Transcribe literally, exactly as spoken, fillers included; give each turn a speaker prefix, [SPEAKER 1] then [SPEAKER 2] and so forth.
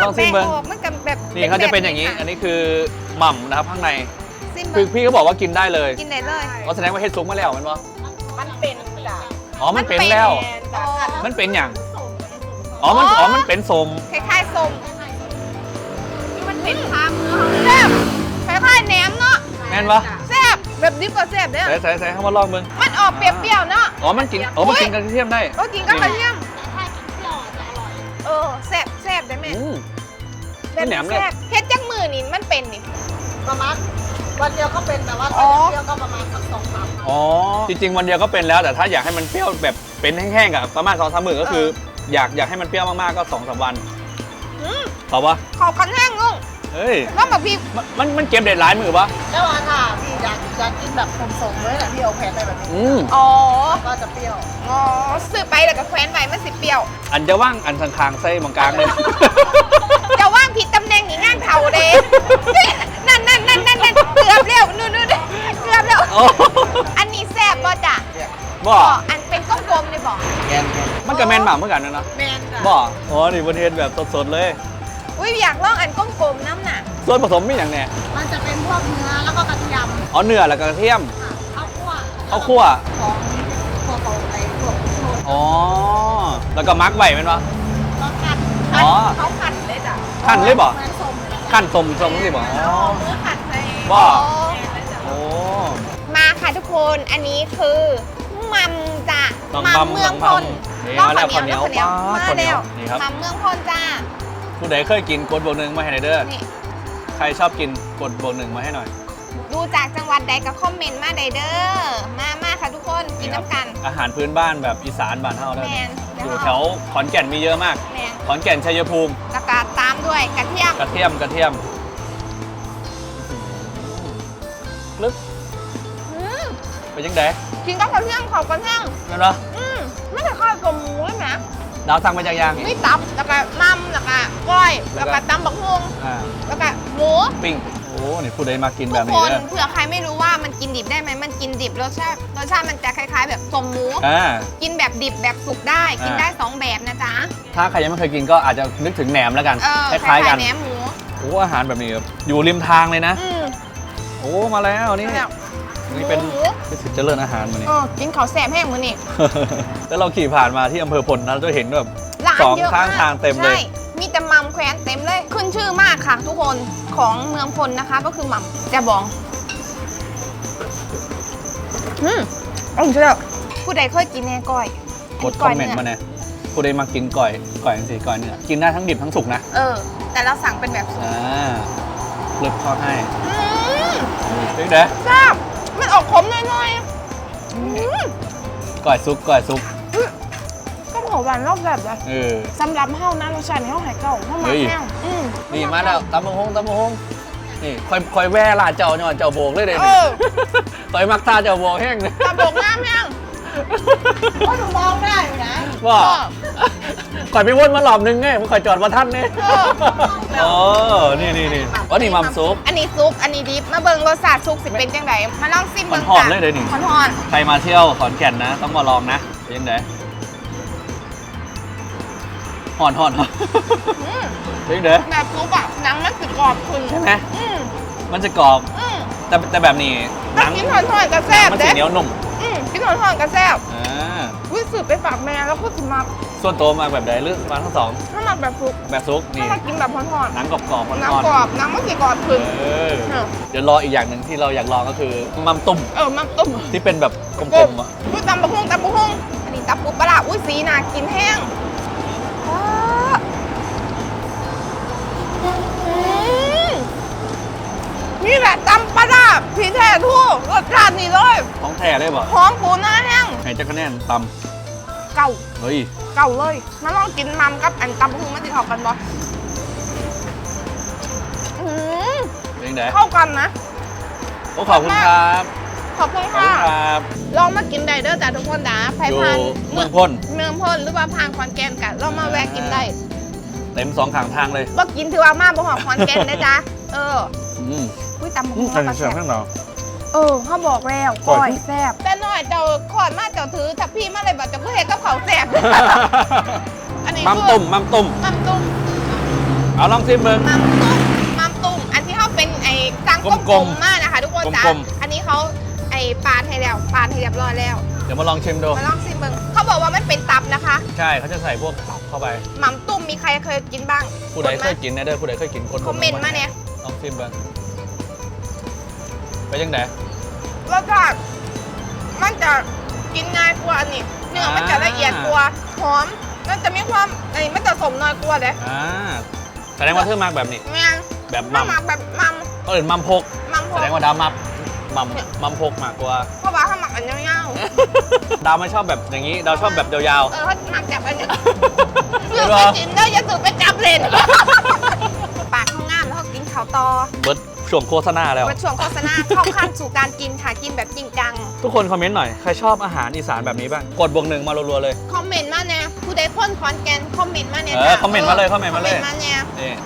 [SPEAKER 1] องซิมเบิ้ง
[SPEAKER 2] มันกับแบบ
[SPEAKER 1] นี่เขาจะเป็นอย่างนี้อันนี้คือหม่ำนะครับข้างใน
[SPEAKER 2] ซิม
[SPEAKER 1] คือ
[SPEAKER 2] เบิ้ง
[SPEAKER 1] พี่เขาบอกว่ากินได้เลย
[SPEAKER 2] กินได้เลย
[SPEAKER 1] เขาแสดงว่าเฮ็ดซุกมาแล้วมันวะ
[SPEAKER 3] มันเป็นจ้ะ
[SPEAKER 1] อ๋อมันเป็นแล้ว
[SPEAKER 3] จ้ะ
[SPEAKER 1] มันเป็นอย่างอ๋อมันอ๋อมันเป็นสม
[SPEAKER 2] คล้ายๆส้ม
[SPEAKER 3] มันเป็นทางเนื้อ
[SPEAKER 2] แซ่บคล้ายๆแหนมเนาะ
[SPEAKER 1] แม่นปะ
[SPEAKER 2] แซ่บแบบดิบก็แซ่บเด้อ
[SPEAKER 1] ใส่ใส่ใส่เข้ามาลองเบิ้ง
[SPEAKER 2] มันออกเปรี้ยวๆเนาะ
[SPEAKER 1] อ๋อมันกินอ๋อมันกินกระเทียมได้
[SPEAKER 2] ก็กินกับกระเทียม
[SPEAKER 3] ถ้ากินเปรี้ยวจะอร่อย
[SPEAKER 2] เออแซ่บแซ่บได้ไหม
[SPEAKER 1] อืม
[SPEAKER 2] แบบ
[SPEAKER 1] แหนมเลย
[SPEAKER 2] แซ่บเฮ็ดจักมือนี่มันเป็นนี่
[SPEAKER 3] ประมาณวันเดียวก็เป็นแต่ว่า
[SPEAKER 2] อ๋
[SPEAKER 3] ถ้า
[SPEAKER 2] อ
[SPEAKER 3] เปรี้ยวก็ประมาณสักสองสาม
[SPEAKER 1] อ๋อจริงๆวันเดียวก็เป็นแล้วแต่ถ้าอยากให้มันเปรี้ยวแบบเป็นแห้งๆกับประมาณสองสามมื้อก็คือ อยากอยากให้มันเปรี้ยวมากๆก็สองสามวัน
[SPEAKER 2] อืม
[SPEAKER 1] ตอบปะ
[SPEAKER 2] เขาคันแห้งงง
[SPEAKER 1] เฮ้ย
[SPEAKER 2] แล้วแบบพี่
[SPEAKER 1] มันมันมันเก็บเด็ดหลายมือปะ
[SPEAKER 3] แล้วว่าถ้าพี่อยากอยากกินแบบสมๆเลยนะพี่เอาแผ่นไปแบบนี้
[SPEAKER 1] อืม
[SPEAKER 2] อ๋อ
[SPEAKER 3] ก็จะเปรี้ยว
[SPEAKER 2] อ๋อซื้อไปแล้วก็แคว้นไว้มันสิเปรี้ยว
[SPEAKER 1] อันจะว่างอันทางคางไส้มังกลางเลย
[SPEAKER 2] จะว่างผิดตำแหน่งหนีงานเผาเด้นั่นนั่นนั่นนั่นนั่นเกือบแล้วนู่นนู่นเกือบแล้ว
[SPEAKER 1] โอ้
[SPEAKER 2] อันนี้แซ่บบ่จ้ะ
[SPEAKER 1] บ่
[SPEAKER 2] อันเป็นกลมๆเลยบ่
[SPEAKER 3] แกน
[SPEAKER 1] มันกับแมนหมาเหมือนกันนะเนาะ
[SPEAKER 3] แมนจ้ะ
[SPEAKER 1] บ่อ๋อนี่บนเทนแบบสดๆเลย
[SPEAKER 2] อุ้ยอยากลองอันกลมๆน้ำน่ะ
[SPEAKER 1] ส่วนผสมมีอย่างแน่
[SPEAKER 3] มันจะเป็นพวกเนื้อแล้วก็กระเทียม
[SPEAKER 1] อ๋อเนื้อแล้วก็กระเทียม
[SPEAKER 3] ค่ะข้าวคั่ว
[SPEAKER 1] ข้าวคั่ว
[SPEAKER 3] ของพวกเขาไอ้พวกโชน
[SPEAKER 1] อ๋อแล้วก็มักไว้แม่นบ่
[SPEAKER 3] ก็ขัด
[SPEAKER 1] อ๋อ
[SPEAKER 2] เขาขัดเลยจ้ะ
[SPEAKER 1] ขั้นเลยบ่
[SPEAKER 3] เหมือนสมเลยจ้ะ
[SPEAKER 1] ขั้นสมสมสิบ่
[SPEAKER 2] อ๋อมือขัดเลย
[SPEAKER 1] บ่
[SPEAKER 2] อ๋อ
[SPEAKER 1] โอ้
[SPEAKER 2] มาค่ะทุกคนอันนี้คือมัมจ้ะ
[SPEAKER 1] มัม
[SPEAKER 2] มั
[SPEAKER 1] มั
[SPEAKER 2] ม
[SPEAKER 1] ม
[SPEAKER 2] เมืองพล
[SPEAKER 1] นี่
[SPEAKER 2] ลอง
[SPEAKER 1] มาแล้ว
[SPEAKER 2] ข้าวเหนียว
[SPEAKER 1] ข้าวเหนียว
[SPEAKER 2] ข้าวเหนียว
[SPEAKER 1] ป้า
[SPEAKER 2] มา
[SPEAKER 1] ข้าวเหนียวนี่ครับ
[SPEAKER 2] แล้วมัมเมืองพลจ้า
[SPEAKER 1] ผู้ใดเคยกินกดบวกหนึ่งมาให้หน่อยเด้อ
[SPEAKER 2] นี่
[SPEAKER 1] ใครชอบกินกดบวกหนึ่งมาให้หน่อย
[SPEAKER 2] ดูจากจังหวัดใดก็คอมเมนต์มาได้เด้อมามาค่ะทุกคนกินน้ำกัน
[SPEAKER 1] อาหารพื้นบ้านแบบอีสานบ้านเฮาเด้อ
[SPEAKER 2] แมน
[SPEAKER 1] อยู่แถวขอนแก่นมีเยอะมาก
[SPEAKER 2] แมน
[SPEAKER 1] ขอนแก่นชัยภูมิ
[SPEAKER 2] แล้วก็ตามด้วยกระเทียม
[SPEAKER 1] กระเทียมกระเทียมลึก
[SPEAKER 2] อืม
[SPEAKER 1] ไปยังไง
[SPEAKER 2] กินกับกระเทียมเขากระเทียม
[SPEAKER 1] นั่นเหรอ
[SPEAKER 2] อืมไม่ใช่ข้าวกับหมูเลยนะ
[SPEAKER 1] ดาวสั่งมาจากยาง
[SPEAKER 2] มีตับแล้วก็มัมแล้วก็ก้อย
[SPEAKER 1] แล้
[SPEAKER 2] แล้ว ว
[SPEAKER 1] ก็
[SPEAKER 2] ก็ตำบักฮวง
[SPEAKER 1] อ่า
[SPEAKER 2] แล้วก็หมู
[SPEAKER 1] ปิ้งโอ้นี่ผู้ใดมากินแบ
[SPEAKER 2] ทุ
[SPEAKER 1] บ
[SPEAKER 2] กค
[SPEAKER 1] นี้
[SPEAKER 2] น
[SPEAKER 1] เด้อ
[SPEAKER 2] เผื่อใครไม่รู้ว่ามันกินดิบได้ไหมมันกินดิบรสชาติรสชาติมันจะคล้าย ๆ แบบสมหมู
[SPEAKER 1] อ่า
[SPEAKER 2] กินแบบดิบแบบสุกได้กิน
[SPEAKER 1] อ่า
[SPEAKER 2] ได้สองแบบนะจ๊ะ
[SPEAKER 1] ถ้าใครยังไม่เคยกินก็อาจจะนึกถึงแหนมแล้วกัน
[SPEAKER 2] เออ
[SPEAKER 1] คล้ายๆกัน
[SPEAKER 2] แหนมหมู
[SPEAKER 1] โอ้อาหารแบบนี้ครับอยู่ริมทางเลยนะ
[SPEAKER 2] อืม
[SPEAKER 1] โอ้มาแล้วนี่
[SPEAKER 2] แล้ว
[SPEAKER 1] นี่เป็น
[SPEAKER 2] หมู
[SPEAKER 1] เป็นสิทธิ์เจริญอาหารมานี่
[SPEAKER 2] เออกินข้าวแซ่บแห้งมือนี่
[SPEAKER 1] แล้วเราขี่ผ่านมาที่อำเภอพลนะเราจะเห็นแบบ
[SPEAKER 2] ร้าน
[SPEAKER 1] สอง
[SPEAKER 2] เยอะ
[SPEAKER 1] ข้าง
[SPEAKER 2] มาก
[SPEAKER 1] ทางเต็มเลย
[SPEAKER 2] ใช่มีแต่มัมแควนเต็มเลย ขึ้นชื่อมากค่ะ ทุกคนของเมืองพลนะคะ ก็คือมัมจะบองอืมอร่อยจังผู้ใดเคยกินแน่ก้อย
[SPEAKER 1] กดคอมเมนต์มาเนี่ยผู้ใดมากินก่อยก่อยสิก่อยเนื้อกินได้ทั้งดิบทั้งสุกนะ
[SPEAKER 2] เออ แต่เราสั่งเป็นแบบสุก
[SPEAKER 1] อ่าลึกเข้าให้
[SPEAKER 2] อืม
[SPEAKER 1] ดึกเด้อ
[SPEAKER 2] แซ่บมันออกขมหน่อยๆอืม
[SPEAKER 1] ก่อยซุกก่อยซุก
[SPEAKER 2] ก็เผาหวานรอบแบบเลย
[SPEAKER 1] เออ
[SPEAKER 2] สำหรับเฮานะรสชาติในเฮาหายเก่าเฮามา
[SPEAKER 1] เฮ้ย
[SPEAKER 2] แห้งอืม
[SPEAKER 1] นี่มาแล้วตำบักฮงตำบักฮงนี่คอยคอยแว่ลาเจ้าเนี่ยเจ้าโบกเลยเด้
[SPEAKER 2] เออ
[SPEAKER 1] คอยมักท่าเจ้าโบกแห้งเลย
[SPEAKER 2] ตะบกน้ำแห้ง
[SPEAKER 3] ก็หนูมองได้อยู่นะ
[SPEAKER 1] ว่า
[SPEAKER 2] เออ
[SPEAKER 1] คอยไปวนมาหลอบนึงไงมันคอยจอดมาท่านเนี่ย
[SPEAKER 2] เออ
[SPEAKER 1] อ๋อนี่นี่นี่อ๋อนี่มัมซุป
[SPEAKER 2] อันนี้ซุป อันนี้ดิบ มาเบิ่งรสชาติซุปสิเป็นจังไดมาลองซิมเบิ่ง
[SPEAKER 1] หอมๆเลยเดี๋ยวนี้
[SPEAKER 2] หอน
[SPEAKER 1] ใครมาเที่ยวขอนแก่นนะ ต้องมาลองนะเป็นยังไงหอนหอนหอน
[SPEAKER 2] ๆอืม
[SPEAKER 1] เป็นยังไง
[SPEAKER 2] แบบซุปอะหนังมันสิกรอบขึ้น
[SPEAKER 1] ใช่ไหม
[SPEAKER 2] อืม
[SPEAKER 1] มันจะกรอบ
[SPEAKER 2] อืม
[SPEAKER 1] แต่แต่แบบนี้ห
[SPEAKER 2] ถ้า
[SPEAKER 1] นัง
[SPEAKER 2] กินหอนๆก็แซ่บ
[SPEAKER 1] มัน
[SPEAKER 2] เด้
[SPEAKER 1] สีเหนียวนุ่ม
[SPEAKER 2] อืมกินหอนๆก็แซ่บ
[SPEAKER 1] อ่า
[SPEAKER 2] วิสืบไปฝากแม่แล้วก็สิมา
[SPEAKER 1] ส่วนตัวมาแบบใดหรือมาทั้งสอง
[SPEAKER 2] ถ้ามาแบบซุป
[SPEAKER 1] แบบซุก
[SPEAKER 2] ถ้า
[SPEAKER 1] นี่
[SPEAKER 2] มากินแบบหอน
[SPEAKER 1] หนังกรอบกรอบๆ
[SPEAKER 2] ๆ
[SPEAKER 1] ร้
[SPEAKER 2] หนัง
[SPEAKER 1] อน
[SPEAKER 2] กรอบหนังมันสิกรอบขึ้น
[SPEAKER 1] ๆเออ
[SPEAKER 2] เออ
[SPEAKER 1] เดี๋ยวรออีกอย่างหนึ่งที่เราอยากลองก็คือมัมตุ้ม
[SPEAKER 2] เออมันตุ้ม
[SPEAKER 1] ที่เป็นแบบกลมๆอ่ะ
[SPEAKER 2] อุ้ยตำบักหุ่งตำบักหุ่งอันนี้ตำปูปลาร้าอุ้ยสีน่ากินแห้งว้าอืมนี่แหละตำปลาร้าพี่แท้ทู่รสชาตินี่เลย
[SPEAKER 1] ของแท้ได้ป่ะ
[SPEAKER 2] หอมปูหน้าแห้ง
[SPEAKER 1] ให้เจ้าคะแนนต
[SPEAKER 2] เก่า
[SPEAKER 1] ำเฮ้ย
[SPEAKER 2] เก่าเลยมาลองกินมัมกับอันตำบักหุ่งมันติดเข้ากันบ่อืม
[SPEAKER 1] เป็นยังไง
[SPEAKER 2] เข้ากันนะ
[SPEAKER 1] โอ้ขอบคุณครับ
[SPEAKER 2] ขอบคุณ
[SPEAKER 1] ขอบ
[SPEAKER 2] ค่ะ
[SPEAKER 1] คุณครับ
[SPEAKER 2] ลองมากินได้เด้อจ้ะทุกคนนะไผ่
[SPEAKER 1] อยู่
[SPEAKER 2] พัน
[SPEAKER 1] เมืองพ่น
[SPEAKER 2] เมืองพลหรือว่าพางขอนแก่นกันเรามาแวะกินได้
[SPEAKER 1] เต็มสองข้างทางเลย
[SPEAKER 2] ว่ากินถือว่ามาบ่หอมขอนแก่นนะจ๊ะเออ
[SPEAKER 1] อืม
[SPEAKER 2] อุ้ยตำบัก
[SPEAKER 1] อื
[SPEAKER 2] หุ่
[SPEAKER 1] ม
[SPEAKER 2] ง
[SPEAKER 1] ใส่
[SPEAKER 2] เราก็
[SPEAKER 1] เสีย
[SPEAKER 2] แซ่
[SPEAKER 1] ง
[SPEAKER 2] บ
[SPEAKER 1] ข้างเรา
[SPEAKER 2] เออเขาบอกแล้ว
[SPEAKER 1] ก้
[SPEAKER 2] ก้
[SPEAKER 1] อ
[SPEAKER 2] อย ยแซ่บแต่น้อยเจ้าขอดมาเจ้าถือถ้าพี่มาเลยบอกเจ้าก็เห็นกับเขาวแซ่บ อันนี้
[SPEAKER 1] มัม
[SPEAKER 2] คือ
[SPEAKER 1] ตุ่มมัมตุ่ม
[SPEAKER 2] มัมตุ้ม
[SPEAKER 1] มเอาลองซิมเบิ้ง
[SPEAKER 2] มัมตุ้มมัมตุ้มอันที่เขาเป็นไอ้ตังก
[SPEAKER 1] ก
[SPEAKER 2] ล
[SPEAKER 1] ล
[SPEAKER 2] ม
[SPEAKER 1] ม
[SPEAKER 2] ๆ
[SPEAKER 1] ๆ
[SPEAKER 2] มากนะคะทุกคนจ้ะ
[SPEAKER 1] กลม
[SPEAKER 2] อันนี้เขาไอ้ปาดให้แล้วปาดให้เรียบร้อยแล้ว
[SPEAKER 1] เดี๋ยวมาลองชิมดู
[SPEAKER 2] มาลองซิมเบิ้งเขาบอกว่ามันเป็นตับนะคะ
[SPEAKER 1] ใช่เขาจะใส่พวกตับเข้าไป
[SPEAKER 2] มัมตุ้มมีใครเคยกินบ้าง
[SPEAKER 1] ผู้ใดเคยกินนะเด้อผู้ใดเคยกินคน
[SPEAKER 2] คอมเมนต์มาเนี่ย
[SPEAKER 1] ลองซิมเบิ้งไปยังไง
[SPEAKER 2] รสชาติมันจะกินง่ายกว่าอันนี้เนื้อมันจะละเอียดกว่าหอมมันจะมีความไอ้มันจะสมน้อยกว่าเลย
[SPEAKER 1] อ่าแสดงว่าเธอมากแบบนี้
[SPEAKER 2] แม่ง
[SPEAKER 1] แบบ
[SPEAKER 2] มั
[SPEAKER 1] มั
[SPEAKER 2] ม
[SPEAKER 1] ม
[SPEAKER 2] มักแบบมัม
[SPEAKER 1] ก็อื่นมัมพก
[SPEAKER 2] มัมพ
[SPEAKER 1] แส
[SPEAKER 2] อ
[SPEAKER 1] ดงว่าดาวมัมมัมมัมพกมากกว่า
[SPEAKER 2] เพราะว่าถ้าหมักอันยาว
[SPEAKER 1] ดาวไม่ชอบแบบอย่างนี้ ดาวชอบแบบยาว
[SPEAKER 2] ๆเออเขาหมักจับอันนี้
[SPEAKER 1] เดี๋
[SPEAKER 2] สื
[SPEAKER 1] ยว
[SPEAKER 2] บ
[SPEAKER 1] ร
[SPEAKER 2] ไป
[SPEAKER 1] อ
[SPEAKER 2] กินได้อย่าสืบไปจับเลนปากเขางามแล้วเขากินข้าวตอ
[SPEAKER 1] ๆเบิร์ดช่วงโฆษณาแล้ว
[SPEAKER 2] มาช่วงโฆษณาเข้าขั้นสู่การกินค่ะกินแบบจริงจัง
[SPEAKER 1] ทุกคนคอมเมนต์หน่อย ใครชอบอาหารอีสานแบบนี้บ้าง กดบวกหนึ่งมารัวๆเลย
[SPEAKER 2] คอมเมนต์มาเนี่ยผู้ใดพ่นคอนแกนคอมเมนต์มาเนี่ย
[SPEAKER 1] เออคอมเมนต์มาเลยคอมเมนต์มาเลย
[SPEAKER 2] คอมเมนต์มาเนี่ย
[SPEAKER 1] นี่